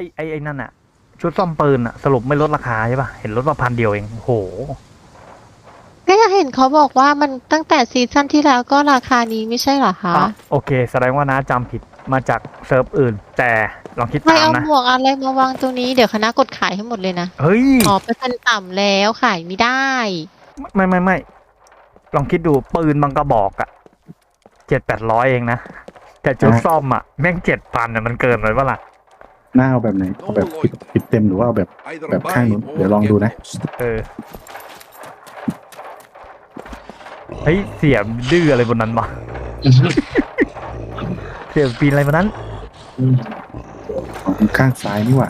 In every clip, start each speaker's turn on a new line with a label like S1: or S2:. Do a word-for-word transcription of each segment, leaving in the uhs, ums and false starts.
S1: อ้ไอ้ไอ้นั่นอะชุดซ่อมปืนอะสรุปไม่ลดราคาใช่ป่ะเห็นลดมาพันเดียวเองโห
S2: ก็ยังเห็นเขาบอกว่ามันตั้งแต่ซีซั่นที่แล้วก็ราคานี้ไม่ใช่เหรอคะ
S1: อ่ะโอเคแสดงว่าน้าจำผิดมาจากเซิร์ฟอื่น แต่ลองคิด
S2: ไม่
S1: ตาม
S2: เอา
S1: นะ
S2: หมวกอะไรมาวางตรงนี้เดี๋ยวคณะกดขายให้หมดเลยนะ
S1: เฮ้ย
S2: อ๋อเปอร์เซ็นต์ต่ำแล้วขายไม่ได้
S1: ไม่ไม่ไม่ลองคิดดูปืนบางกระบอกอะเจ็ดแปดร้อยเองนะ แต่ชุดซ่อมอะแม่งเจ็ดพันอะมันเกินไปปะล่ะ
S3: หน้าเอาแบบไหนเอาแบบปิดปิดเต็มหรือว่าเอาแบบแบบข้างนู้นเดี๋ยวลองดูนะ
S1: เออเฮ้ยเสียดื้ออะไรบนนั้นวะ เสียปีนอะไรบนนั้น
S3: ของข้างซ้ายนี่หว่า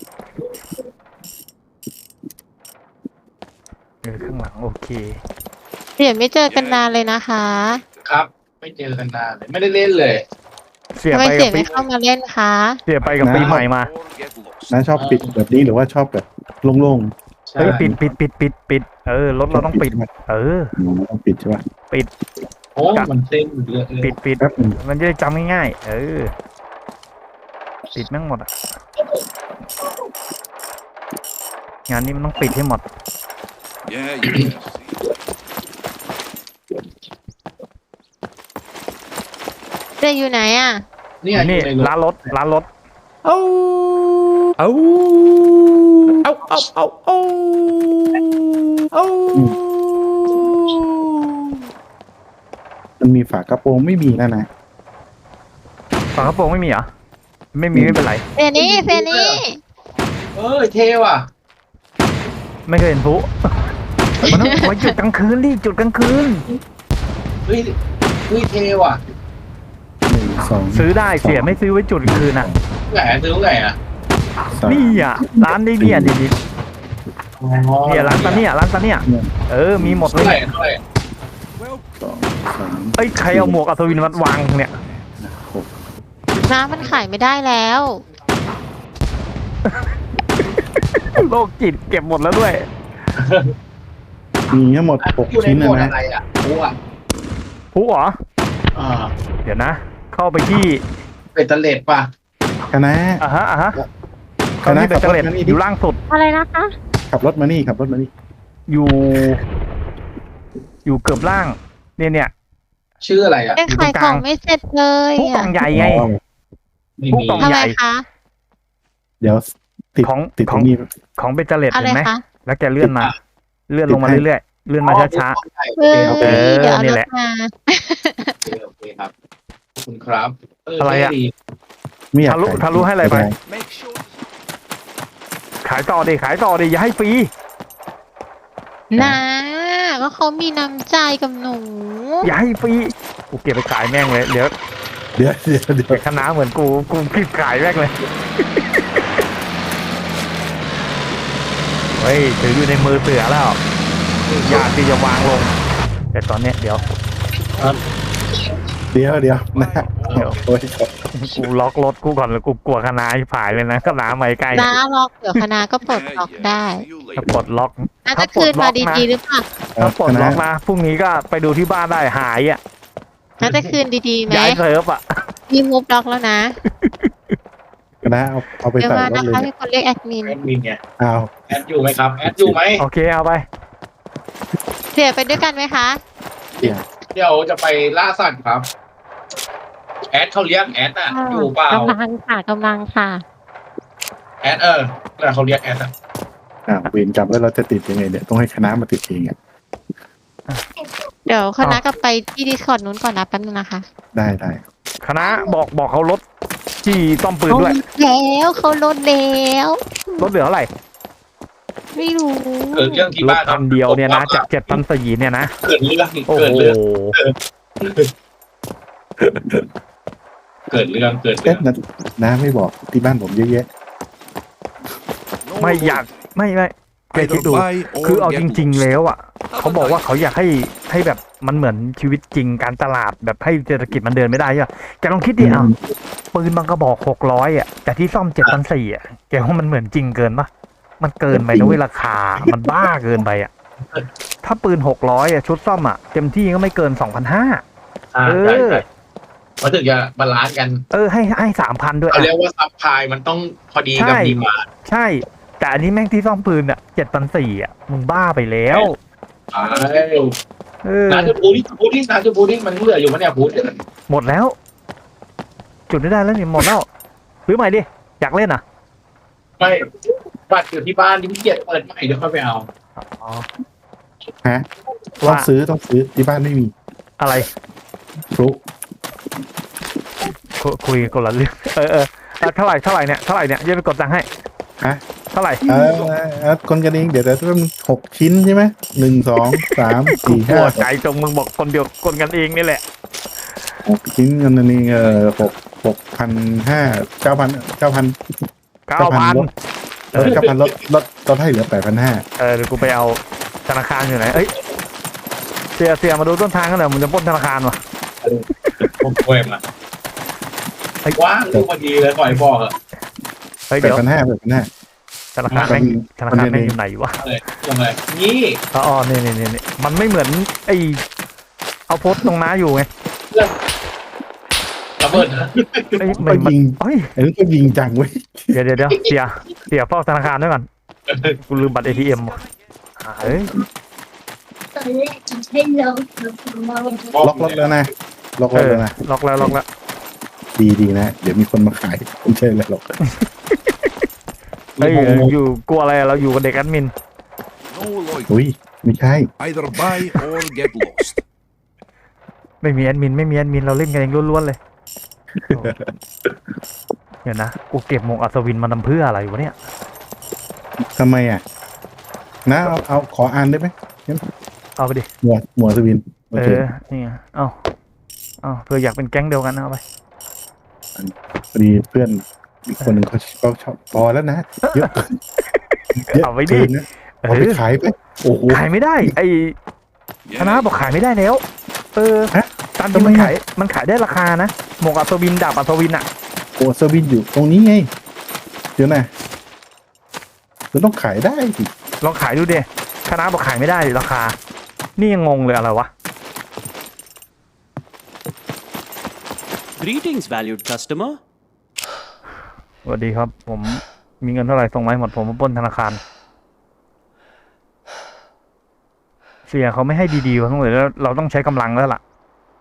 S1: เออข้างหลังโอเค
S2: เดี๋ยวไม่เจอกันนานเลยนะคะ
S4: ครับ ไม่เจอกันนานเลยไม่ได้เล่นเลย
S1: เสีย
S2: ทำไม
S1: ไป
S2: เสี
S1: กั
S2: ย
S1: บปี
S2: ไม่เข้ามาเล่นคะ
S1: เสียไปกับปีใหม่มา
S3: น้าชอบปิดแบบนี้หรือว่าชอบแบบโล่ง
S4: ใช่
S1: เฮ้ยปิดปิดปิดปิดปิดเออรถ
S3: ๆ
S1: เราต้องปิด เออ
S3: หนูต้องปิดใช่ป่ะ
S4: โอ้มันเต้นเยอะเลย
S1: ปิดปิด
S3: แป๊บหนึง
S1: มันจะได้จำง่ายๆเออปิดแม่งหมดอ่ะงานนี้มันต้องปิดให้หมด
S5: Yeah, yeah.
S2: เจ๊อยู่ไหนอ่ะ
S4: เนี่ยอ
S1: นี่
S4: ยู่ในรถ
S1: ร้านรถร้านรถ
S6: เอาเอาเอาเอาเอาเอาเอา
S3: มันมีฝากระโปรงไม่มีนะนะ
S1: ฝากระโปรงไม่มีเหรอไม่มีไม่เป็นไร
S2: เฟนี่เฟนี่
S4: เออเท่ว่ะ
S1: ไม่เคยเห็นพลุ มันต้องไว้จุดกลางคืนดิจุดกลางคืน
S4: เฮ้ยเฮ้ยเท่ว่ะ
S3: หนึ่งสอง
S1: ซื้อได้เสียไม่ซื้อไว้จุดกลางคืนอ่ะ
S4: ไหนซื้อไหนอ่ะ
S3: สาม
S1: นี่อ่ะร้านนี้เนี่ยดิดิ
S4: อ๋อ
S1: เนี่ยร้านตาเนี่ยร้านตาเนี่ยเออมีหมดเล
S4: เท่าไหร่
S1: ย
S4: เท่าไหร่
S3: สองสาม
S1: เอ้ยใครเอาหมวกอัศวินมาวางเนี่ย
S3: หก
S2: น้ำมันขายไม่ได้แล้ว
S1: โรคจิตเก็บหมดแล้วด้วย
S3: มีทั้งหมดหก
S4: อยู่ใน
S3: ชิ้น
S4: หม
S3: นะ
S4: วด
S3: นะ
S4: อะไรอ่ะโอ้อ่ะ
S1: พลุเหรอ
S4: อ่า
S1: เดี๋ยวนะ เข้าไปที่
S4: เป็นตะเล็ดป่ะ
S3: คณะ
S1: อ่ะฮะอ่ะฮะเข้าที่เบตเตอร์เลตอยู่ล่างสุด
S2: อะไรนะคะ
S3: ขับรถมานี่ขับรถมานี่
S1: อยู่ อยู่เกือบล่าง เนี่ยเนี่ย
S4: ชื่ออะไรอ่ะ
S2: ยังขายของไม่เสร็จเลย
S1: ผู้กล่
S2: อ่ะ
S1: องใหญ่ไง
S3: อ๋อ
S4: ไม่
S1: ผู้
S4: มี
S1: กล่อง
S2: ทำไมคะ
S3: เดี๋ยวติด
S1: ของ
S3: ติด
S1: ข
S3: ต
S1: อ
S3: รง งนี้
S1: ของเบตเตอร์เลต
S2: อะไร
S1: เห็นไหม
S2: คะ
S1: แล้วแกเลื่อนมา เลื่อนลงมาเรื่อยๆ เลื่อนมาช้า
S2: เฮ้ย
S4: โอเค
S2: เดี๋ยวเอา
S1: นี่
S2: ร
S1: แห
S2: ถ
S1: ละ
S2: มา
S4: โอเคครับขอบคุณครับเ
S1: อะไรอะ
S4: เท่ดี
S3: ไม่อยาก
S1: ทะลุ
S3: ขาย
S1: ทะลุให้อะไรไป
S3: ด้
S5: Make sure.
S1: ๆ ขายต่อดิขายต่อดิอย่าให้ฟรี
S2: นะก็เขามีน้ำใจกับหนู
S1: อย่าให้ฟรี กูเก็บไปขายแม่งเลย เดี๋ยว
S3: เดี๋ยวเดี๋ยวเดี๋ยว
S1: เด็กคณะเหมือนกู กูคิดขายแม่งเลย เฮ้ยถืออยู่ในมือเสือแล้ว อยากที่จะวางลง แต่ตอนเนี้ยเดี๋ยว
S3: เดี๋ยวเดี๋ยวนะ
S1: เดี๋ยว
S3: โอ้ย
S1: กูล็อกรถกูก่อนเลยกูกลัวคณะผายเลยนะคณะไม่ใกล้
S2: น้าล็อกเดี๋ยวคณะก็ปลดล็อกได้
S5: See you
S1: ถ้า
S5: later.
S1: ปลดล็อก
S2: น่า
S1: ถ้า
S2: จะ
S1: ปล
S2: คื
S1: ด
S2: น
S1: ล็
S2: มา
S1: อกนะ
S2: ดีๆหรือเปล่า
S1: ถ้าปลด
S3: คณะ
S1: ล็อกนะพรุ่งนี้ก็ไปดูที่บ้านได้หายอ่ะ
S2: น่าจะคืนดีๆไหม
S1: ย้ายเซิร์ฟอ่ะ
S2: มีมูฟล็อกแล้วนะ
S3: คณะเอาเอาไป
S2: เดี๋ยว
S3: ใส่
S2: มาร
S3: ถ
S2: นะ
S3: เลย
S2: คะ
S3: เนี่
S2: มี
S3: ย
S2: คนเรียกแอดมิน
S4: แอดมินไง
S3: เอา
S4: แอดอยู่ไหมครับแอดอยู่ไหม
S1: โอเคเอาไป
S2: เสียไปด้วยกันไหมคะ
S3: เดี๋ยว
S4: เดี๋ยวจะไปล่าสัตว์ครับ แอดเขาเลี้ยงแอดอ่ะอยู่เปล่าก
S2: ำลังค่ะกำลังค่ะ
S4: แอดเออแต่เขาเลี้ยงแอดอ่ะ
S3: อ่าเวรกรรมแล้วเราจะติดยังไงเนี่ยต้องให้คณะมาติดเองอ่ะ
S2: เดี๋ยวคณะกลับไปที่ดิสคอร์ดนู้นก่อนนะแป๊บนึงนะคะ
S3: ได้ได้
S1: คณะบอกบอกเขาลดที่ต้อมปืนด้วย
S2: แล้วเขาลดแล้ว
S1: ลดเหลือเท่าไหร่
S2: ไม่รู้
S4: เกิดเรื่องที่
S1: ลด
S4: บ้านค
S1: พั
S4: รับ
S1: นเดียวเนี่ยนะจากเจ็ดพันสี่เนี่ยนะ
S4: เกิดเรื่อง
S1: โอ้
S4: เกิด
S1: โห
S4: เรื่องเกิดเรื่องเกิดเรื่
S3: เอ๊ะ
S4: อง
S3: นะน้าไม่บอกที่บ้านผมเยอะแยะ
S5: No
S1: ไม่
S5: one
S1: อยาก
S5: gets
S1: ไม่ไม่แก
S5: either
S1: คิดดู
S5: buy or
S1: คือเอา
S5: get
S1: จริง ๆ
S5: lost.
S1: แล้วอ่ะเขาบอกว่าเขาอยากให้ให้แบบมันเหมือนชีวิตจริงการตลาดแบบให้เศรษฐกิจมันเดินไม่ได้ใช่ไหมแกลองคิดดิเอาปืนบางกระบอกหกร้อยอ่ะแต่ที่ซ่อมเจ็ดพันสี่อ่ะแกว่ามันเหมือนจริงเกินปะมันเกินไปนะเว้ยราคา มันบ้าเกินไปอ่ะ ถ้าปืนหกร้อยอ่ะชุดซ่อมอ่ะเต็มที่ก็ไม่เกินสองพันห้า
S4: อ่า
S1: เออ
S4: ใช่ใช่มันถึงจะบาลานซ์กัน
S1: เออให้ให้สามพันด้วย
S4: เขา
S1: อะ
S4: เรียกว่าซัพพลายมันต้องพอดีกับ
S1: ใช่
S4: ดีมาร์ด
S1: ใช่ แต่อันนี้แม่งที่ซ่อมปืนอ่ะเจ็ดพันสี่อ่ะมึงบ้าไปแล้ว
S4: ใช่
S1: เออ
S4: ร้านจะพูดที่พูดที่ร้านจะพูดที่มันเหลืออยู่มั้ยเนี่ยพูด
S1: หมดแล้ว จุดไม่ได้แล้วนี่หมดแล้วซื้อใหม่ดิอยากเล่นอ่ะ
S4: ไม่บัตรอยู่ที่บ้านที่พี่เกียรเปิดใหม่เดี๋ยวค่อยไปเอา
S1: อ๋อ
S3: ฮะต้อ
S1: ว่า
S3: งซื้อต้องซื้อที่บ้านไม่มี
S1: อะไร
S3: ฟลุก
S1: คุคุยคนละเรื่องเออเออเออเท่าไหร่เท่าไหร่เนี่ยเท่าไหร่เนี่ยยังไปกดตังค์ให้
S3: ฮะ
S1: เท่าไหร่
S3: เออเออคนกันเองเดี๋ยวแต่ต้องหกชิ้นใช่ไหมหนึ่งสองสามสี่
S1: ป
S3: ห้าว
S1: ดใจจงมึงบอกคนเดียวคนกันเองนี่แหละ
S3: หกชิ้นกันอันนี้เออหกหกพันห้าเก้าพันเก้าพัน
S1: เก้าพัน
S3: เออเก้าพันลดลดลดให้เหลือแปดพันห้า
S1: เออเดี๋ยวกูไปเอาธนาคารอยู่ไหนเอ้ยเสียเสียมาดูต้นทางกันหน่อยมึงจะปล้นธนาคารวะ
S4: ผมช่วยมาว่างดูพอดีเลยปล่อยบอกอะ
S1: เฮ้ย
S3: แป
S1: เดี๋
S3: ด
S1: ยว
S3: พันห้าแปดพันห้า
S1: ธนาคารแม่งธนาคารแม่งอยู่ไหนวะ
S4: เลยยังไงนี่
S1: อ๋ออ๋อนี่นี่นี่นี่มันไม่เหมือนไอเอาโพสต์ตรงน้าอยู่ไง
S4: ระเบิดนะ
S1: เอ้ย
S3: ก็
S1: ไม่มัน
S3: ยิง
S1: เอ้ย
S3: อันนี้ก็ยิงจังเว้ย
S1: เดี๋ยวเดี๋ยวเดี๋ยวเสียเสียเฝ้าธนาคารด้วยก่อนกูลืมบัตรเอทีเอ็มเฮ้ย
S7: ตอนแรกจะให้เราทำมาวันที่
S3: ล็อกล็อกแล้วนะล็อก
S1: เอ
S3: ล็อก
S1: อ
S3: แล้วนะ
S1: ล็อกแล้วล็อกแล้ว
S3: ดีดีนะ เดี๋ยวมีคนมาขายไม่ใช่เลยหรอก
S1: เฮ้ยอยู่กลัวอะไรเราอยู่กับเด็กแอดมิน
S5: No loiter.
S3: อุ้ยไม่ใช่
S5: Either buy or get lost.
S1: ไม่มีแอดมินไม่มีแอดมินเราเล่นกันเองล้วนๆเลยโอ้เดี๋ยวนะกูเก็บหมวกอัศวินมาทำเพื่ออะไรวะเนี่ย
S3: ทำไมอ่ะนะเอาเอาขออ่านได้ไหม
S1: เอาไปดิ
S3: หมวดหมวดสวินโอ
S1: เอ
S3: เค
S1: อนี่ไงเอาเอาเพื่ออยากเป็นแก๊งเดียวกันเอาไป
S3: พอดีเพื่อนอีกคนหนึ่งเขาเขาชอบพอแล้วนะเยอะเยอะ
S1: เอาไปดิ
S3: เกินนะ
S1: เอ
S3: เอาไป
S1: อ
S3: ขายไปโอ้โห
S1: ขายไม่ได้ ไอคณะ
S5: Yeah,
S1: บอกขายไม่ได้แล้ว เออ
S3: ฮะ
S1: ตามที่มัน
S3: ทำไมอะ
S1: ขายมันขายได้ราคานะหมวกอัศวินดาบอัศวินอ่ะ
S3: โอ้สวินอยู่ตรงนี้ไงเดี๋ยวนะมันต้องขายได้สิ
S1: ลองขายดูดิคณะบอกขายไม่ได้ราคา นี่ยังงงเลยอะไรวะ
S8: Greetings, valued customer.
S1: สวัสดีครับ ผมมีเงินเท่าไหร่ส่งมาให้หมดผมมาปล้นธนาคาร เสียเขาไม่ให้ดีๆวะทั้งหมดแล้วเราต้องใช้กำลังแล้วล่ะ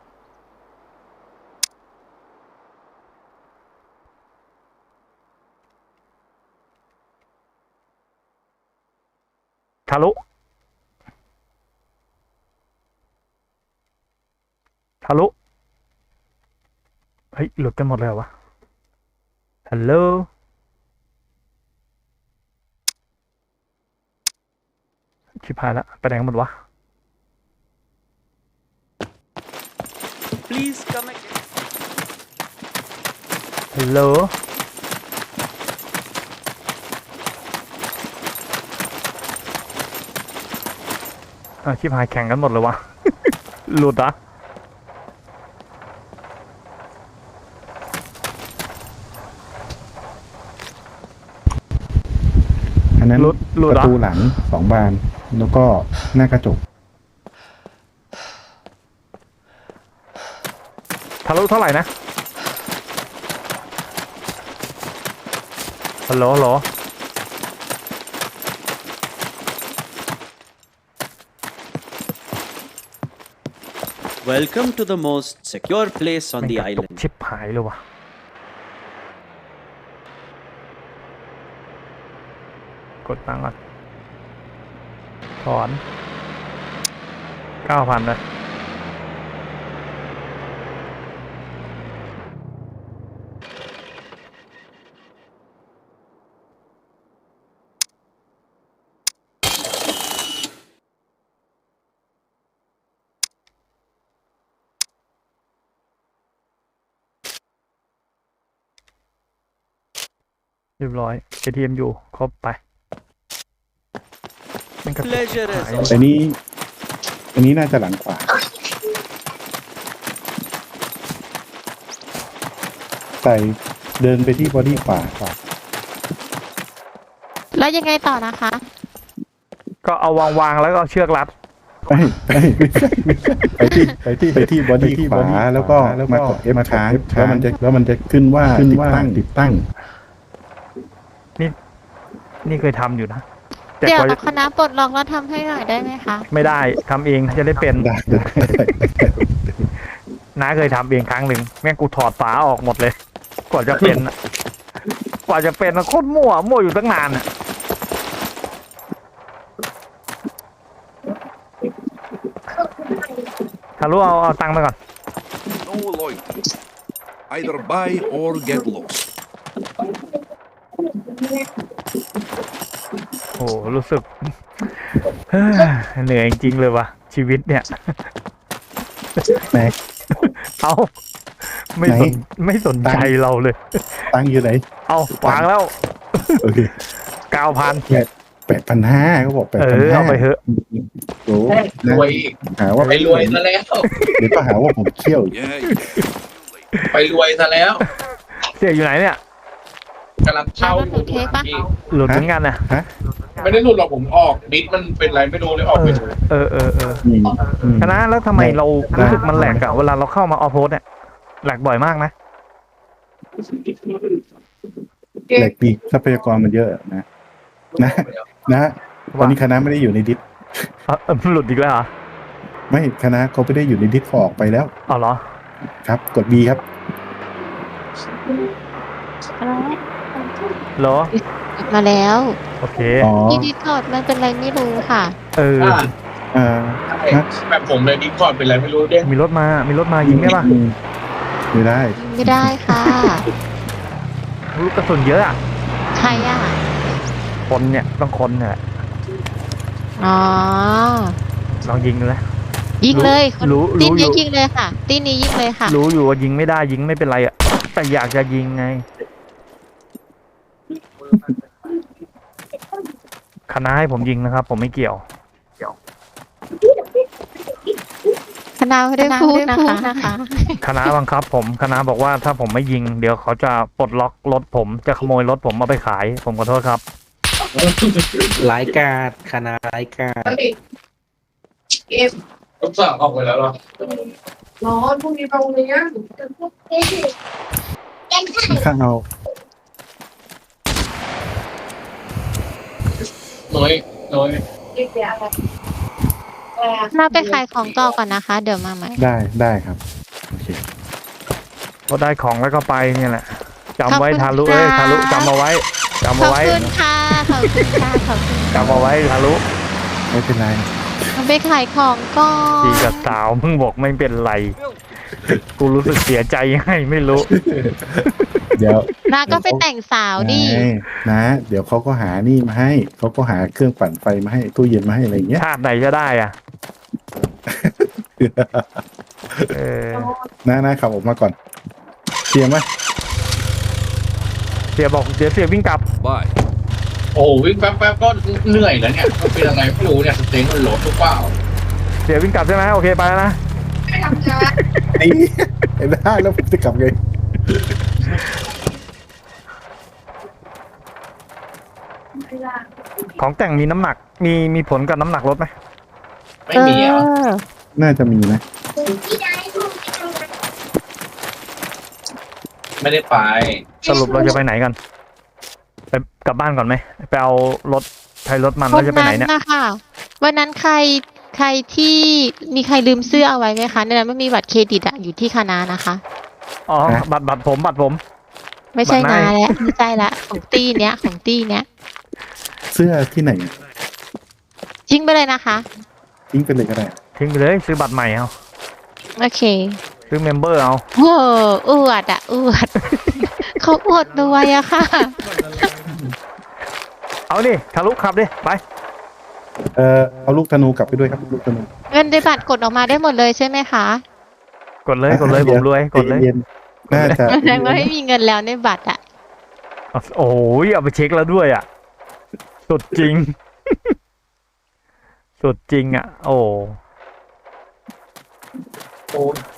S1: ทะลุ ทะลุ เฮ้ย หลุดกันหมดเลยเหรอวะ ฮัลโหล ชิบหายละไปไหนกันหมดวะ
S8: Please come again.
S1: ฮัลโหล อ่ะชิบหายแข่งกันหมดเลยวะ หลุดเหรอ่ะ
S3: อันนั้น
S1: หลุดหลุด
S3: ป
S1: เหร
S3: ระ
S1: อ่ะ
S3: ตูหลังสองบาน แล้วก็หน้ากระจก
S1: ทะลุเท่าไหร่นะ ฮัลโหลฮัลโหล
S8: Welcome to the most secure place on
S1: แม่ง
S8: the
S1: กระตุก
S8: island.
S1: ชิบหายเลยวะกดตังค์ก่อนถอนเก้าพันเลย เรียบร้อย เอ ที เอ็ม อยู่ ครบไปแม่งกระตุก
S8: Pleasure
S1: หาย
S8: is
S3: อันนี้ อันนี้น่าจะหลังขวาใส่เดินไปที่บอดี้ขวาขวา
S2: แล้วยังไงต่อนะคะ
S1: ก็เอาวางวางๆแล้วก็เอาเชือกรัด
S3: ไปไปไม่ใช่ไม่ใช่ไปที่ไปที่ไปที่บอดี้ขวาแล้วก็มากดเอฟค้างแล้วมันจะแล้วมันจะขึ้นว่าติดตั้งติดตั้ง
S1: นี่เคยทำอยู่นะแต่
S2: เดี๋ยว
S1: กว่า
S2: คณะปลดล็อกแล้วทำให้หน่อยได้ไหมคะ
S1: ไม่ได้ทำเองจะได้เป็น
S3: ได้ได้ได้
S1: น้าเคยทำเองครั้งหนึ่งแม่งกูถอดฝาออกหมดเลย กว่าจะเป็นอะกว่าจะเป็นอะโคตรมั่วมั่วอยู่ตั้งนานอะทะลุเอาเอาตังค์ไปก่อน
S5: No loitering. Either buy or get lost.
S1: โอ้รู้สึก เฮ้ยเหนื่อยจริงๆเลยว่ะชีวิตเนี่ย
S3: ไหน
S1: เอาไม่สน
S3: ไหน
S1: ไม่สนใจเราเลย
S3: ตั้งอยู่ไหน
S1: เอาวางแล้ว
S3: โอเค
S1: เก้าพัน
S3: แปดพันห้าเขาบอกแปด
S1: เอ
S3: พัน
S1: อ
S3: ห้า
S1: เอาไปเถอะ
S3: โอ้
S4: รวยอีก
S3: หาว่า
S4: ไปรวยซะแล้ว
S3: เดี๋ยวก็หาว่าผมเที่ยวอีก
S5: Yeah, you too late.
S4: ไปรวยซะแล้ว
S1: เสียอยู่ไหนเนี่ย
S4: กำลังเช่าอยู่พี่
S1: หลุดเหมือนกันนะ
S4: ไม่ได้หลุดหรอกผมออกดิสมันเป็นไรไม่รู้เลยออกไปถูก
S1: เออเออเออ
S3: อืมอืม
S1: คณะแล้วทำไมเรารู้สึกมันแหลกอะเวลาเราเข้ามาออฟโพสเนี่ยแหลกบ่อยมากนะ
S3: เหล็กดีทรัพยากรมันเยอะนะนะนะตอนนี้คณะไม่ได้อยู่ในดิส
S1: เออเออหลุดอีกแล้วเหรอ
S3: ไม่คณะเขาไม่ได้อยู่ในดิสเขาออกไปแล้ว
S1: เอาเหรอ
S3: ครับ กด B ครับ
S1: เหรอ
S2: มาแล้ว
S1: โอเค
S3: อ๋อ
S2: ที่ดิสคอร์ดมันเป็นอะไรไม่รู้ค่ะ
S1: เออ
S4: อ่า
S3: อ่า
S4: แบบผมเลยดิสคอร์ดเป็นไรไม่รู้เด้ง
S1: มีรถมา มีรถมายิงได้ปะ
S3: อืมไม่ได้
S2: ไม่ได้ค่ะ
S1: ลูกกระสุนเยอะอะ
S2: ใครอ่ะ
S1: คนเนี่ยต้องคนเนี่ยแหละ
S2: อ๋อ
S1: ลองยิงดูนะ
S2: ยิงเลยคน
S1: รู้
S2: ตี
S1: รู้
S2: นี้
S1: อยู่
S2: ยิงเลยค่ะตีนี้ยิงเลยค่ะ
S1: รู้อยู่ว่ายิงไม่ได้ยิงไม่เป็นไรอะแต่อยากจะยิงไง คณะให้ผมยิงนะครับ ผมไม่เกี่ยว
S2: คณะไม่ได้พูดนะคะ
S1: คณะบังคับ ผมคณะบอกว่าถ้าผมไม่ยิง เดี๋ยวเขาจะปลดล็อกรถผมจะขโมยรถผมเอาไปขาย ผมขอโทษครับ
S6: รายการคณะรายการ
S4: ต้องสั่งออกไปแล้วเหรอ
S7: ร้อนพรุ่งนี้ไปโรงเรียน
S3: ข้างเอา
S4: น้อยน้อย
S2: น่าไปขายของต่อก่อนนะคะ เดี๋ยวมาใหม่
S3: ได้ได้ครับโอเค
S1: ก็ได้ของแล้วก็ไปเนี่ยแหละจำไว้
S2: ขอบคุณ
S1: ทารุเอ้ย
S2: ค่ะ
S1: ทารุจำเอาไว้จำ
S2: ขอ
S1: เอา
S2: บ
S1: ไว้
S2: คุณค่ะ ขอบคุณค่ะ ขอบคุณ
S1: จำเอาไว้ทารุ
S3: ไม่เป็นไร
S2: มาไปขายของก่อ
S1: ดี
S2: น
S1: กับสาวมึงบอกไม่เป็นไร กูรู้สึกเสียใจยังไงไม่รู้
S3: เดี๋ยว
S2: นาก็ไปแต่งสาวดิ
S3: ไงนะ เดี๋ยวเขาก็หานี่มาให้เขาก็หาเครื่องปั่นไฟมาให้ตู้เย็นมาให้อะไรอย่างเงี้ย
S1: ชาติไหนจะได้อ่ะ เออ
S3: นะนะขับออกมาก่อนเตรียมไหม
S1: เสียบอกเดี๋ยวเสียวิ่งกลับ
S5: Buy.
S4: โอ้วิ่งแป๊บๆก็เหนื่อยแล้วเนี่ยมันเป็นอะไรไม่รู้เนี่ยสเต็งมันโหลดหรือเปล่า
S1: เสียวิ่งกลับใช่ไหมโอเคไปแล้วนะ
S3: นี่ได้แล้วผมจะกลับไง
S1: ของแต่งมีน้ำหนัก มีมีผลกับน้ำหนักรถไหม
S4: ไม่มีอ่ะ
S2: เออ
S3: น่าจะมีนะ
S4: ไม่ได้ไป
S1: สรุปเราจะไปไหนกัน ไปกลับบ้านก่อนไหมไปเอารถใช้รถมันแล้วจะไปไหนเนี่ย
S2: นะคะวันนั้นใครใครที่มีใครลืมเสื้อเอาไว้ไหมคะในนั้นไม่มีบัตรเครดิตอะอยู่ที่คณะนะคะ
S1: อ๋อบัตรบัตรผมบัตรผม
S2: ไม่ใช่
S1: บัตร
S2: นา
S1: ไหน
S2: แล้วไม่ใช่ละของตี้เนี้ยของตี้เนี้ย
S3: เสื้อที่ไหน
S2: ทิ้งไปเลยนะคะ
S3: ทิ้งไปเลยก็ได้
S1: ทิ้งไปเลยซื้อบัตรใหม่เอา
S2: โอเค
S1: ซื้อเมมเบอร์เอา
S2: โอ้อวดอะอวด เขาอวดรวยอะค่ะ
S1: เอาดิทะลุขับดิไป
S3: เออเอาลูกธนูกลับไปด้วยครับลูกธนู
S2: เงินในบัตรกดออกมาได้หมดเลยใช่ไหมคะ
S1: กดเลยกดเลยผมรวยกดเลย
S3: ใจนๆน่าจะ
S2: แสดงว่าไม่มีเงินแล้วในบัตรอะ
S1: โอ้ยเอาไปเช็คแล้วด้วยอ่ะ สุดจริง สุดจริงอ่ะ โอ้
S4: โอ้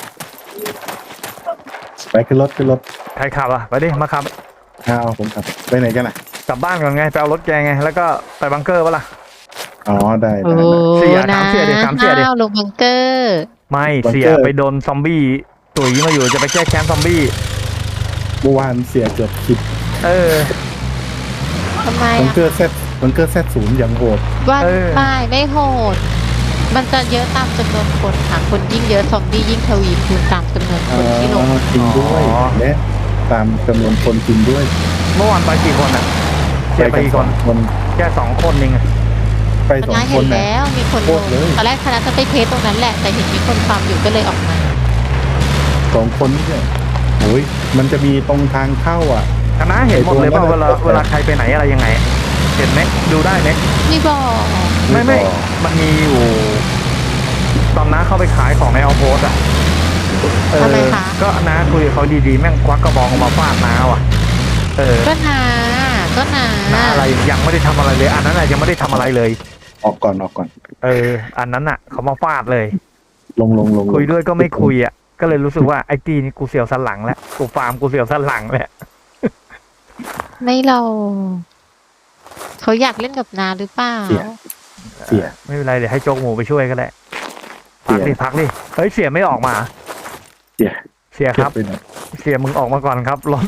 S3: ไปขึ้นรถขึ้นรถ
S1: ใครขับอ่ะไปดิมาขับ
S3: เอาผมขับไปไหนกันอ่ะ
S1: กลับบ้านก่อนไงไปเอารถแกไง แล้วก็ไปบังเกอร์ปะล่ะ
S3: ออ๋อได้
S2: โอ้
S3: ได้ได้
S1: เสีย
S2: นะ
S1: ถามเสียดิถามเสียดิ
S2: อ้าวลงบังเกอร์
S1: ไม่
S3: บังเกอร์
S1: เสียไปโดนซอมบี้ตุ๋ยมาอยู่จะไปแก้แค้นซอมบี้
S3: เมื่อวานเสียเกือบคิด
S1: เออ
S2: ทำไม
S3: บัง
S2: อะ
S3: เกอร์เซตบังเกอร์เซตศูนย์อย่างโหด
S2: ว่า
S1: เออ
S2: ไม่ไม่โหด มันจะเยอะตามจำนวนคนค่ะ คนยิ่งเยอะซอมบี้ยิ่งทวีคูณตามจำนวนคนที่ลง
S3: อ๋อจริงด้วย
S1: อ๋อ
S3: และตามจำนวนคนจริงด้วย
S1: เมื่อวานไปกี่คนอ่ะเสียไปกี่คน
S3: คน
S1: แค่สองคนเองอะ
S3: ไป
S2: ค
S3: สอง
S2: ณะ
S3: ค
S2: เห็
S3: น
S2: น
S3: นะ
S2: แล้วมีคน
S3: โค
S2: ล
S3: ต
S2: ง
S3: รเลย
S2: ตอนแรกคณะจะไปเทสตรงนั้นแหละ แต่เห็นมีคนฟาร์มอยู่ก็เลยออกมา
S3: สองคนนี่เนี่ยโอ้ยมันจะมีตรงทางเข้าอ่ะ
S1: คณะเห็นหมดเลยเปล่า
S3: ไอ้
S1: เว
S3: ตัวนั้
S1: ลาน
S3: น่ะ
S1: เวลาใครไปไหนอะไรยังไง เห็นไหมดูได้ไหม
S2: นี่บอก
S1: ไม่ไม่มันมีอยู่ตอนน้าเข้าไปขายของในออโพสอ่ะเออ
S2: ทำไมคะ
S1: ก็น้าคุยกับเขาดีๆแม่งควักกระบองออกมาฟาดน้าว่ะ เออ
S2: ก็นาก็นา
S1: น้าอะไรยังไม่ได้ทำอะไรเลย อันนั้นน่ะยังไม่ได้ทำอะไรเลย
S3: ออกก่อนออกก่อน
S1: เออ อันนั้นอ่ะ เขามาฟาดเลย
S3: ลงลงลงลง
S1: คุยด้วยก็ไม่คุยอ่ะ ก็เลยรู้สึกว่าไอ้ตีนี่กูเสียวสันหลังแล้วกูฟาร์มกูเสียวสันหลังแหละ
S2: ไม่เราเขาอยากเล่นกับนาหรือเปล่า
S3: เสียเสีย
S1: ไม่เป็นไรเดี๋ยวให้โจ๊กหมูไปช่วยก็ได้พักดิ
S3: เสีย
S1: พักดิเฮ้ยเสียไม่ออกมา
S3: เสีย
S1: เสียค
S3: เก็บ
S1: รับ
S3: ไปหน่อย
S1: เสียมึงออกมาก่อนครับรถ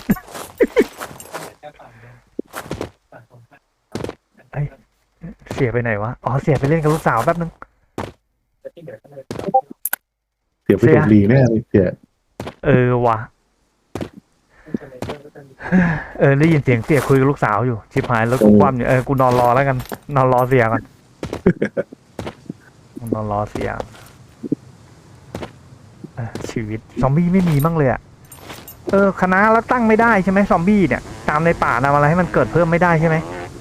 S1: เอ้ยเสียไปไหนวะอ๋อเสียไปเล่นกับลูกสาวแป๊บนึง
S3: เสียไป
S1: เสีย
S3: ถูกลีแน่เลยเสีย
S1: เออว่ะเออได้ยินเสียงเสียคุยกับลูกสาวอยู่ชิบหายแล้วกูคว่ำอยู่เออกูนอนรอแล้วกัน นอนรอเสียก่อนนอนรอเสียเออชีวิตซอมบี้ไม่มีบ้างเลยอะเออคณะแล้วตั้งไม่ได้ใช่ไหมซอมบี้เนี่ย ตามในป่าทำอะไรให้มันเกิดเพิ่มไม่ได้ใช่ไหม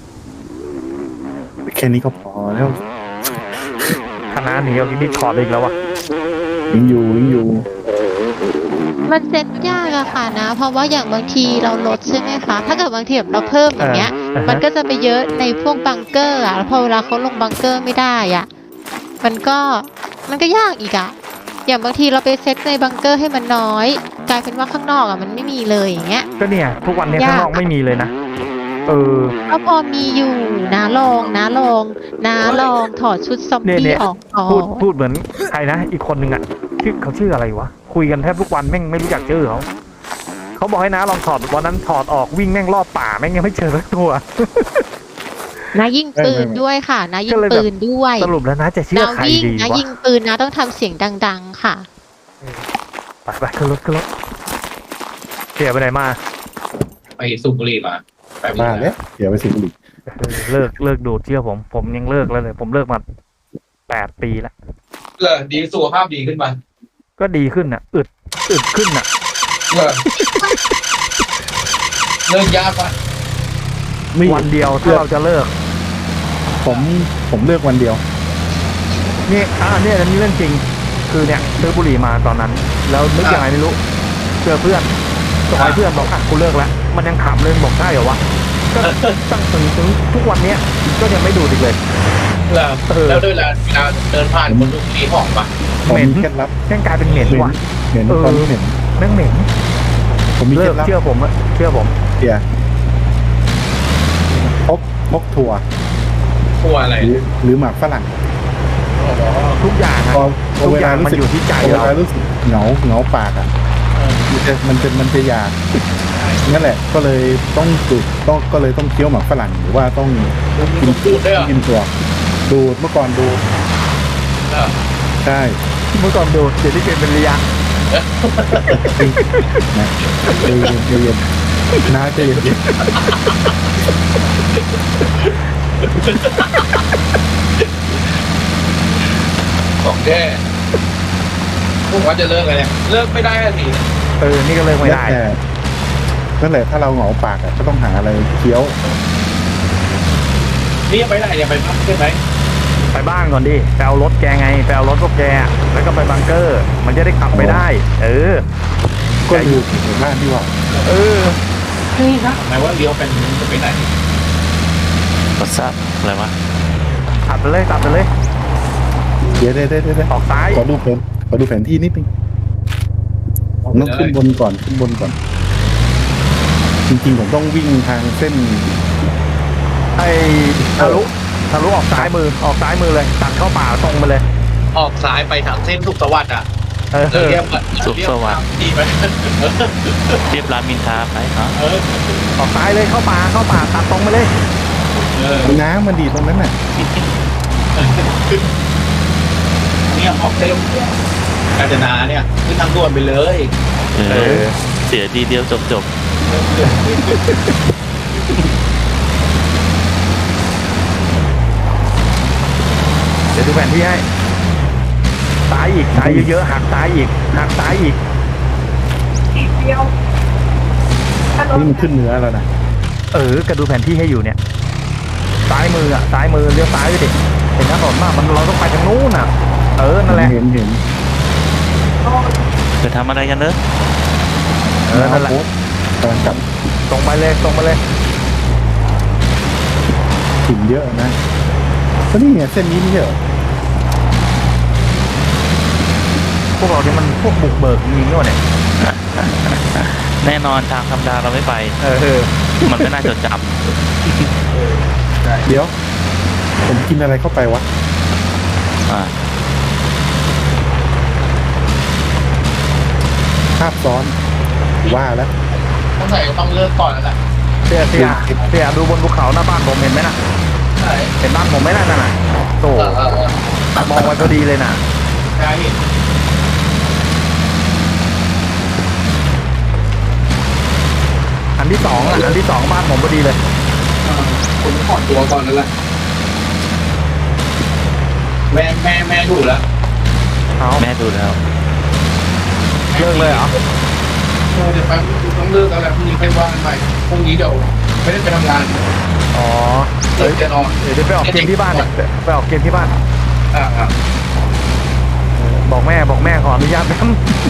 S3: แค่นี้ก็พอแล้ว
S1: คณะหนีเอาที่นี่ถอดอีกแล้ววะ
S3: ยิงอยู่ยิงอยู่
S2: มันเซ็ตยากอะค่ะนะ เพราะว่าอย่างบางทีเราลดใช่ไหมคะ ถ้าเกิดบางทีแบบเราเพิ่มอย่างเงี้ย มันก็จะไปเยอะในพวกบังเกอร์อะแล้วพอเวลาเขาลงบังเกอร์ไม่ได้อะมันก็มันก็ยากอีกอะอย่างบางทีเราไปเซตในบังเกอร์ให้มันน้อย กลายเป็นว่าข้างนอกอะมันไม่มีเลยอย่างเงี้ย
S1: ก็เนี่ย ทุกวันเนี้ย
S2: ยาก
S1: ข้างนอกไม่มีเลยนะเออ
S2: ก็พอมีอยู่นะลองนะลองนะลองถอดชุดซอม
S1: เนี่ยเนี่
S2: บี้
S1: ย
S2: ออกก่อ
S1: พูด
S2: น
S1: พูดเหมือนใครนะอีกคนนึงอ่ะชื่อเขาชื่ออะไรวะคุยกันแทบทุกวันแม่งไม่รู้จักชื่อเขาเขาบอกให้นะลองถอดวันนั้นถอดออกวิ่งแม่งรอบป่าแม่งยังไม่เจอสักตัว
S2: นะยิงปืนด้วยค่ะนะยิงปืนด้วย
S1: สรุปแล้วนะจะเชื่อ
S2: นะ
S1: ใคร
S2: วิ่ง
S1: ดี
S2: นะ
S1: วะ
S2: ยิงปืนนะต้องทำเสียงดัง ๆ ค่ะ
S1: ไปไปขึ้นรถขึ้นรถเสียไปไหนมา
S4: ไปสูบบุหรี่มาไป
S3: มาแล้วเสียไปสิบลี
S1: เออเลิกเลิกดูดเชื่อผม ผมยังเลิกแล้วเลย ผมเลิกมาแปดปีแล้ว
S4: เออดีสุขภาพดีขึ้นมา
S1: ก็ดีขึ้นอ่ะอึดอึดขึ้นอ่ะ
S4: เออเลิกยากปะ
S3: ไม่
S1: วันเดียวถ้าเราจะเลิก
S3: ผมผมเลือกวันเดียว
S1: นี่อ่าเนี่ยอันนี้เรื่องจริง คือเนี่ยซื้อบุหรี่มาตอนนั้น แล้วนึกยังไงไม่รู้เจอเพื่อนส่งให้เพื่อนบอกอ่ะกูเลิกแล้วมันยังขำเลยบอกใช่เหรอวะก็ตั้งถึงถึงทุกวันเนี้ยก็ยังไม่ดูดอีกเลย
S4: เออ
S1: เออ
S4: แล้วด้วยเวลาเวลาเดินผ่านคนสูบบุหรี่หอมปะ
S3: ผม
S1: เหม็น
S3: มีเคล็ดลับ
S1: แม่งกลายเป็นเหม็น
S3: เหม็น
S1: ว่ะ
S3: เหม็น
S1: เออ
S3: ตอนนี้เหม็น
S1: แม่งเหม็น
S3: ผมมีเค
S1: เลิ
S3: ล็
S1: ก
S3: ดลับ
S1: เชื่อผมอะเชื่อผม
S3: เสียพกพกถั่ว
S4: กลัวอะไร
S3: หรือหรือหมากฝรั่ง
S1: ทุกอย่างอะ
S3: พอพอ
S1: ทุก
S3: เว
S1: อ
S3: ลา
S1: ย่าง
S3: รู้
S1: มัน
S3: สึก
S1: อยู่ที่ใจ
S3: พอเว
S1: เรา
S3: ลารู้สึกเหงาเหงาปากอ่ะมันจะมันจะมันจะอยากนั่นแหละ ก็เลยต้องดูดต้องก็เลยต้องเคี้ยวหมากฝรั่งหรือว่าต้อง
S4: มีต้องพูดด้วยเหรอ
S3: กินถั่วดูดเมื่อก่อนดูด
S4: เออ
S3: ใช่
S1: เมื่อก่อนดูดเดี๋ยวนี้เป็นเป็นระยะ
S3: นะใจเย็นใจเย็นนะใจเย็น
S4: ของแท้พวกว่าจะเลิกอะไรเนี่ยเลิกไม่ได้สิ
S1: เออนี่ก็เลิกไม่ได้
S3: แต่นั่นแหละถ้าเราเหงาปากอ่ะก็ต้องหาอะไรเคี้ยว
S4: นี่ยังไปไหนยังไปพักใช่ไหม
S1: ไปบ้านก่อนดิไปเอารถแกไงไปเอารถพวกแกอะแล้วก็ไปบังเกอร์ มันจะได้ขับไปได้ เออ
S3: ก็อยู่ในบ้านที่ว่า
S1: เออ
S4: นี่นะหมายว่าเลี้ยวเป็นจะไปไหน
S9: วัทซับอะไรวะ
S1: ขับไปเลยขับไปเลย
S3: เดี๋ยวเดี๋ยวเดี๋ยวเดี๋ยว
S1: ออกซ้าย
S3: ขอดูแผนขอดูแผนที่นิดนึงผมต้องขึ้นบนก่อนขึ้นบนก่อน จริงๆผมต้องวิ่งทางเส้น
S1: ไอ้ฮารุทะลุออกซ้ายมือออกซ้ายมือเลยตัดเข้าป่าตรงไปเลย
S4: ออกซ้ายไปทางเส้นสุขสวัสดิ์อ่ะ
S1: เออ
S4: เราเรียกว่า
S9: สุขสวัสดิ์
S4: ที่ไป
S9: เรียบรามอินทราไปเนาะ
S4: เออ
S1: ออกซ้ายเลยเข้าป่าเข้าป่าตัดตรงไปเลย
S4: เออ
S3: น้ำมันดีตรงนั้นน่ะ
S4: เนี่ยออกเส้นกาญจนาเนี่ยขึ้นทางด่วนไปเลย
S9: เอ
S1: เอ
S9: อ
S1: อ
S9: เสียทีเดียวจบจบ
S1: เดี๋ยวดูแผนที่ให้ซ้ายอีกซ้ายเยอะๆหักซ้ายอีกหักซ้ายอีก
S7: ทีเดียวถ้ารถ
S3: นี่มันขึ้นเนื้อแล้วนะ
S1: เออกระดูแผนที่ให้อยู่เนี่ย ซ้ายมืออ่ะซ้ายมือเลี้ยวซ้ายไปดิเห็นถนนมากมันเราต้องไปทางนู้นอ่ะ เออนั่นแหละ
S3: เห็นเห็น
S9: จะทำอะไรกันเนอะ
S1: เออนั่นแหละ
S3: กำลังกลับ
S1: ตรงไปเลยตรงไปเลย
S3: ถิ่นเยอะนะก็นี่ไงเส้นนี้ไม่ใช่เหรอ
S1: พวกเราเนี่ยมันพวกบุกเบิกจริงๆเนี่ย
S9: แน่นอนทางธรรมดาเราไม่ไป
S1: เออเออ
S9: มันไม่น่าจดจ
S3: เดี๋ยว ผมกินอะไรเข้าไปวะ
S9: ำอ่า
S3: ภาพซ้อนว่าแล้ว
S4: ต้องใส่ต้องเลิกก่อนแล้วแหละ
S1: เสียเสียเสียดูบนภูเขาหน้าบ้านผมเห็นไหมน่ะ
S4: ใช่
S1: เห็นบ้านผมไหมน่ะนั่นน่ะโต
S4: เออเออเออ
S1: มองไว้พอดีเลยน่ะ
S4: ใช่
S1: อันที่สองอ่ะอันที่สองบ้านผมพอดีเลย
S4: ผมขอตัวก่อนแล้วแหละแม่แม่แม่ถูกแล้ว
S1: เอา
S9: แม่ดูแล้ว
S1: เลิกเลยเหรอ
S4: เดี๋ยวไปต้องเลิกแล้วแหละพรุ่งนี้ไปว่ากันใหม่พรุ่งนี้เดี๋ยวไม่ได้ไปทำงาน
S1: อ๋อ
S4: เดี๋ยวจะนอน
S1: เดี๋ยวจะไปออกเกมที่บ้านเนี่ยไปออกเกมที่บ้าน
S4: อ่าอ่า
S1: บอกแม่บอกแม่ขออนุญาตแป๊บ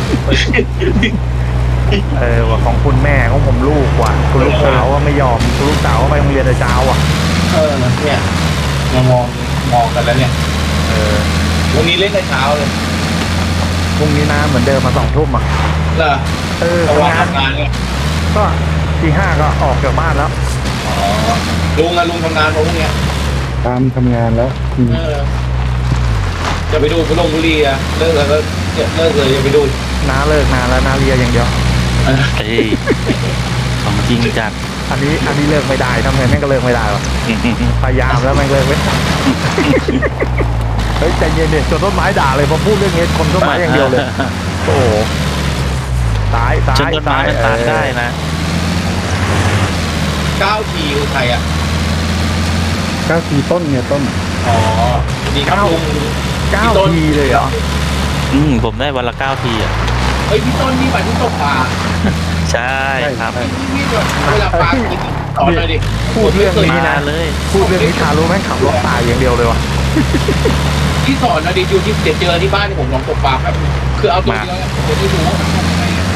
S1: เออว่าของคุณแม่ของผมลูกว่ะคุณลูกสาวว่าไม่ยอมคุณลูกสาวว่าไปโรงเรียนแต่เช้าอ่ะ
S4: เออเนี่ยมามองมองกันแล้วเนี่ย
S1: เออ
S4: วันนี้เล่นแต่เช้าเลย
S1: พรุ่งนี้นะเหมือนเดิมมาสองทุ่มอ่ะ
S4: เหรอ
S1: เออ
S4: เพราะว่า
S1: ทำงาน
S4: ทำงานเนี่ย
S1: ก็ทีห้าก็ออกจากบ้านแล้ว
S4: อ๋อลุงอะลุงทำงานพวกเนี้ย
S3: ตามทำงานแล้วอืม
S4: เออจะไปดูไปลงบุรีอะเลิกแล้วก็เลิกเลยจะไปดู
S1: น้าเลิกนานแล้วน้าเรียอย่างเดียว
S4: เออ
S9: เอ้ยของจริงจัด
S1: อันนี้อันนี้เลิกไม่ได้ทำไงแม่งก็เลิกไม่ได้หรอกพยายามแล้วแม่งเลิกไม่ได้เฮ้ยใจเย็นเนี่ยจนต้นไม้ด่าเลยพอพูดเรื่องนี้คนต้นไม้อย่างเดียวเลย โอ้โหซ้ายซ้า
S9: จน
S1: ย
S9: ต้นไม้
S1: ซ้าย
S9: มันตากได้นะ
S4: เก้าทีคือใครอะ
S3: เก้าทีต้นเนี่ยต้น
S4: อ๋อดีครับลุง
S1: เก้า
S4: พี่ต้น
S1: ทีเลยเหรอ
S9: อืมผมได้วันละเก้าทีอ่ะ
S4: เฮ้ยพี่ต้นนี่หมายถึงตกปลา
S9: ใช่ครับ
S4: นี่แบบเวลาปลากินสอนเลยดิ
S1: พูดเรื่องนี้
S9: มา
S1: นะ
S9: เลย
S1: พูดเรื่องนี้ทารู้แม่งขับรถตายอย่างเดียวเลยวะ
S4: ที่สอนนะดิอยู่ที่เดี๋ยวเจอที่บ้านที่ผมลองตกปลาครับคือเอาตัวเดียวเนี่ยผมจะดูว่ามันทำยังไงอะ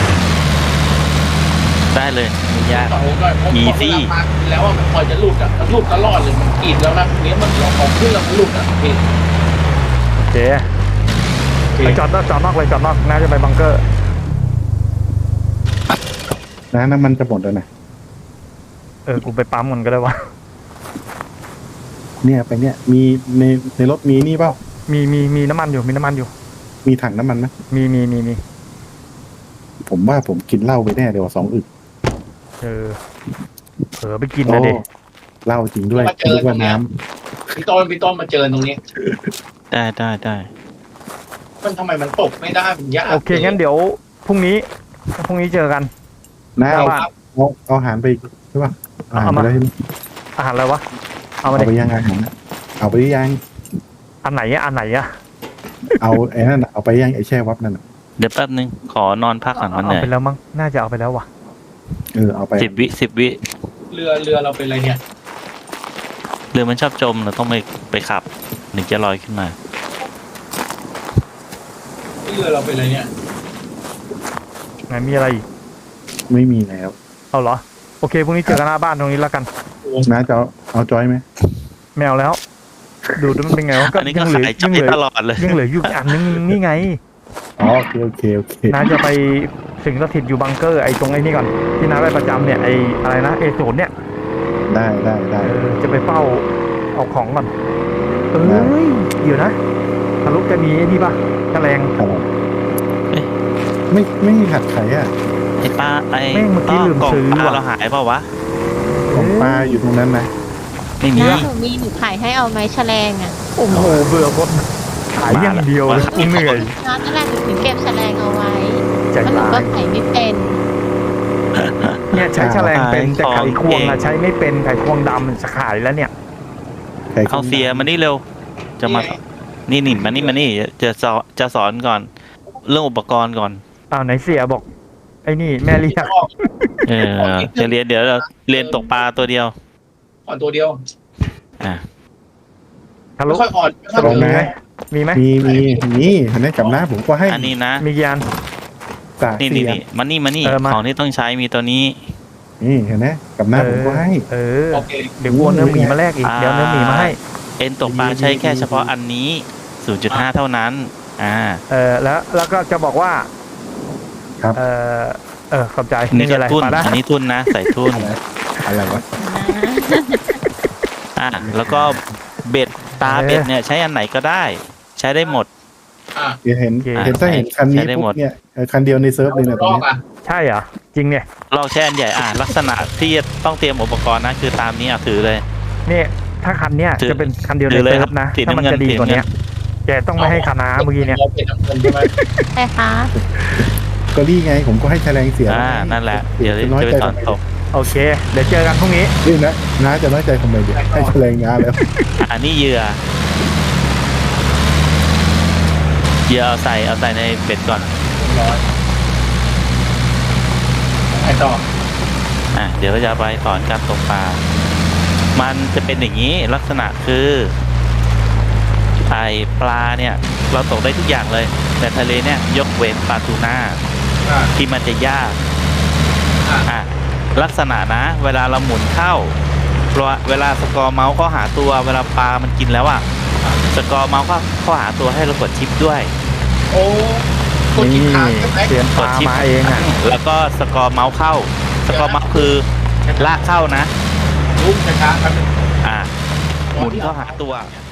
S9: ได้เลยไม่ยาก
S4: สอนผมหน่อยผม
S9: Easy
S4: เวลาปลากินแล้วอะมันพอจะหลุดอ่ะมันหลุดตลอดเลยมันกรีดแล้วนะเนี้ยมันลองของขึ้นแล้วมันหลุดอ่ะพี่
S1: เจ๊ไปจอดนอกจอดนอกเลยจอดนอกน่าจะไปบังเกอร์
S3: นะน้ำมันจะหมดแล้วนะ
S1: เออกูไปปั๊มมันก็ได้วะ
S3: เนี่ยไปเนี่ยมีในในรถมีนี่เปล่า
S1: มีมีมีน้ำมันอยู่มีน้ำมันอยู่
S3: มีถังน้ำมันไหม
S1: มีมีมีมี
S3: ผมว่าผมกินเหล้าไปแน่เดี๋ยวสองอึก
S1: เออเผลอไปกินนะเด็ก
S3: โอ้เหล้าจริงด้วย
S4: มาเจอ
S3: นึก
S4: ตร
S3: ว่าง
S4: เนี้ย
S3: น้
S4: พี่ต้นพี่ต้นมาเจอตรงนี้
S9: ได้ได้ได้
S4: มันทำไมมันตกไม่ได้มันยาก
S1: โอเคงั้นเดี๋ยวพรุ่งนี้พรุ่งนี้เจอกัน
S3: ำน้าเอา
S1: ว่า
S3: เอาเอาอาหารไปอีกใช่ป่ะอาหาร
S1: เอา
S3: ไป
S1: มา
S3: ได้วใช่ไหม
S1: อาหารอะไรวะเอา
S3: เอา
S1: มา
S3: ไป
S1: ดิ
S3: ยังอาหารเอาไปยัง
S1: อันไหนอะอันไหนอะ
S3: เอาไอ้นั่นน่ะเอาไปยังไอ้แช่วับนั่นน่ะ
S9: เดี๋ยวแป๊บนึงขอนอนพักก่อนมันเห
S1: เอา
S9: นื่อย
S1: ไปแล้วมั้งน่าจะเอาไปแล้ววะ
S3: เออเอาไป
S9: สิบวิสิบวิ
S4: เรือเรือเราเป็นอะไรเนี่ย
S9: เรือมันชอบจมเราต้องไปไปขับถึงจะลอยขึ้นมา
S4: เรือเราเป็นอะไรเนี่ย
S1: ไหนมีอะไรอีก
S3: ไม่มีแล้ว
S1: เอาเหรอโอเคพรุ่งนี้เจอกันหน้าบ้านตรงนี้แล้วกัน
S3: น้าจะเอาเอาจอยไหม
S1: แมวแล้ว ดูดูมันเป็นไงวะ
S9: อันนี้ก็
S1: ยังเหลือ
S9: ขาย
S1: ยัง
S9: ใจ
S1: เหลือ
S9: ตลอดเลย
S1: ยังเหลืออยู่อันนึงนี่ไง
S3: อ๋อโอเคโอเคโอเค
S1: น้าจะไปสิงสถิตอยู่บังเกอร์ไอ้ตรงไอ้นี่ก่อนที่น้าไปประจำเนี่ยไอ้อะไรนะเอศูนย์เนี่ย
S3: ได้ได้ได้
S1: เออจะไปเฝ้าเอาของก่อนเอ้ยเดี๋ยวนะทะลุจะมีไอ้นี่ปะแฉลง
S3: ครับไม่ไม่มีหัดไขอ่ะ
S9: ไอ้ปลาไอ้
S1: แม่งเมื่อกี้ลืม
S9: กล่อง
S1: ซื้อ
S9: ปลา
S1: ว่ะ
S9: เราหายเปล่าวะ
S3: ของปลาอยู่ตรงนั้นนะ
S9: ไม่มี
S2: นะหนูมีหนูขายให้เอาไหมแฉลงอ่ะ
S1: โอ้โหเบื่อหมดขายอย่างเดียวเลยกูเหนื่อย
S2: นั่นแหละหนูถึงเก็บแฉลงเอาไว้
S1: ใจ
S2: เพราะหนู
S1: ร้า
S2: ก็
S1: ย
S2: ขายไม่เป็น
S1: เนี่ยใช้แฉลงเป็นแต่
S9: ขาย
S1: ไข
S9: ของ
S1: ควง
S9: เก่
S1: อะ
S9: ง
S1: ใช้ไม่เป็นไขควงดำจะขายแล้วเนี่ย
S3: ไข่
S9: เอาเสียมานี่เร็ว จะมา นี่นี่มานี่มานี่จะสอนจะสอนก่อน เรื่องอุปกรณ์ก่อน
S1: อ้าวไหนเสียบอกไอ้นี่แม่เรียก
S9: เออจะเรียนเดี๋ยวเราเรียนตกปลาตัวเดียว
S4: อ่อนตัวเดียว
S9: อ่ะ
S1: ทะลุ
S4: ไม่ค่อยอ่อนไม่ค่อย
S1: ทะลุ
S4: อ่อน
S1: มีไหมมีไหม
S3: มีมีมีเห็นไหมกับหน้าผมก็ให้
S9: อันนี้นะ
S1: มีกี่อัน
S3: สาก
S9: นี่
S3: เสี
S9: นี่
S3: ย
S9: นี่มานี่มานี่
S1: เออมา
S9: ของที่ต้องใช้มีตัวนี้
S3: นี่เห็นไหมกับหน้าผมก็ให้
S1: เออ
S4: โอเค
S1: เดี๋ยววัวเนื้อหมีมาแลกอีก
S9: อ่า
S1: เดี๋ยวเนื้อหมีมาให้
S9: เอ็นตกปลาใช้แค่เฉพาะอันนี้ ศูนย์จุดห้า เท่านั้น อ่า
S1: เออแล้วแล้วก็จะบอกว่า
S3: ครับ
S1: เออเออขอบใจ
S9: นี่
S1: นี่
S9: ก็
S1: อะไร
S9: ทุน
S1: ปลาได้
S9: อันนี้ทุนนะ ใส่ทุน
S3: อะไรวะ
S9: อ่า แล้วก็เบ็ดตาเบ็ดเนี่ยใช้อันไหนก็ได้ ใช้ได้หมด
S4: อ่ะ
S3: เดี๋ยวเห็น
S1: โอเค
S3: เห็นถ้าเห็นคันนี้
S9: ใช้ได้หม
S3: ปุ๊
S9: ด
S3: บเนี่ยเออคันเดียวในเซิร์ฟเลยเนี่ยต
S4: ร
S3: รง
S4: อบ
S3: นี้
S4: อ่ะ
S1: ใช่เหรอจริงเนี่ย
S9: เราใช้อันใหญ่ อ่า ลักษณะที่ต้องเตรียมอุปกรณ์นะ คือตามนี้อ่ะถือเลย
S1: เนี่ยถ้าคันเนี้ย
S9: ถือ
S1: จะเป็นคันเดียวใน
S9: ถือเลย
S1: เซิ
S9: ครั
S1: ร์
S9: บ
S1: ฟนะ
S9: สี
S1: ถ้ามัน
S9: น้ำเงิน
S1: จะดีกว่าเนี้ย
S9: สีน้ำ
S1: แกต้องไม่ให้คณะเมื่อกี้เนี่ย
S4: เราเป็นน้ำเงินใช่ไหม
S2: ใช่คะ
S3: ก็นี่ไงผมก็ให้แฉลงเสีย
S9: อ่า นั่นแหละ เดี๋ยว
S3: น้อย
S9: จะไป
S3: ใจ
S9: สอน
S3: ทำไม
S9: ตก
S1: โอเค เดี๋ยวเจอกันพรุ่งนี้
S3: นี่นะน้าจะน้อยใจทำไมเดี๋ยวให้แฉลงน้าแล้ว
S9: อันนี้เหยื่อเหยื่อเอาใส่เอาใส่ในเบ็ดก่อน
S4: ร้อยไอต่อ
S9: อ่ะเดี๋ยวเราจะไปสอนการตกปลา มันจะเป็นอย่างนี้ลักษณะคือไอปลาเนี่ย เราตกได้ทุกอย่างเลย แต่ทะเลเนี่ยยกเว้นปลาทูน่า
S4: อ่ะ
S9: ที่มันจะยาก
S4: อ่ะ
S9: อ่ะลักษณะนะ เวลาเราหมุนเข้าเพราะเวลาสกอร์เมาส์เขาหาตัวเวลาปลามันกินแล้วอ่ะสกอร์เมาส์เขาเขาหาตัวให้เรากดชิปด้วย
S4: โอ้คนกิน
S1: นี่
S4: ขาดใช่ไหม
S1: เตรียมป
S9: กด
S1: ลา
S9: ชิป
S1: มาเองอ่ะ
S9: แล้วก็สกอร์เมาส์เข้า สกอร์เมาส์คือลากเข้านะ
S4: ลุกช้าๆครับ
S9: อ่ะหมุนเข้าหาตัว